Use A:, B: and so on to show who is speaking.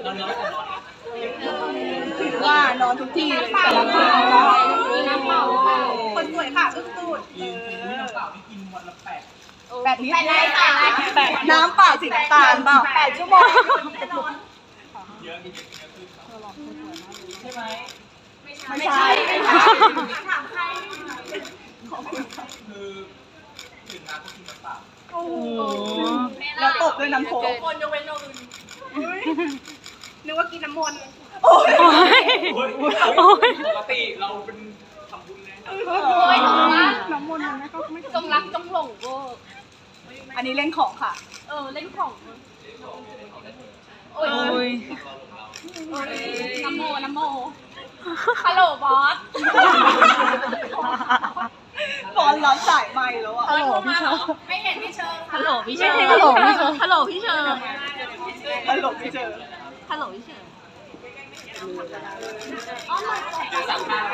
A: ถือว่านอนทุกที่แต่ละที่
B: น้ำเปล่า
A: คนสวยค่ะอึ้งตูด
C: น้ำเปล่าที่กินวันละ
A: แบบนี้
B: 8 ไร
A: น้ำเปล่าสีน้ำตาลเปล่า8 ชั่วโมง
C: เยอะกินเยอะขึ้นใช่ไหม
A: ไม่ใช่
B: ถามใคร
C: คือดื่มน้ำก็กินน้ำเปล่า
A: โอ้โหแล้วตบด้วยน้ำโค้ก
B: คนยกเว้นโนอื่นนึกว่ากินน้ำมนต์
A: โอ้ย
C: ปกติเราเป็นทำบุญไง
B: โอ้ยถูกปะ
A: น้ำมนต์มันไม่
B: จงรักจงหลงโว้
A: อันนี้เล่นของค่ะ
B: เล่นของโอ้ยน้ำโมฮัลโหลบอส
A: บอลรับสายใหม่แล้วอ่ะ
B: ฮัลโหลพี่เชิญไม่เห็นพี่เชิญฮัลโหลพี่เชิญ
A: ฮัลโหลพี่เชิญ
B: ฮัลโหลพี่เชิญ
A: ฮัลโหลพี่เจอ
B: ฮัลโหลพี่เชิญ
C: จะสั่งข้าว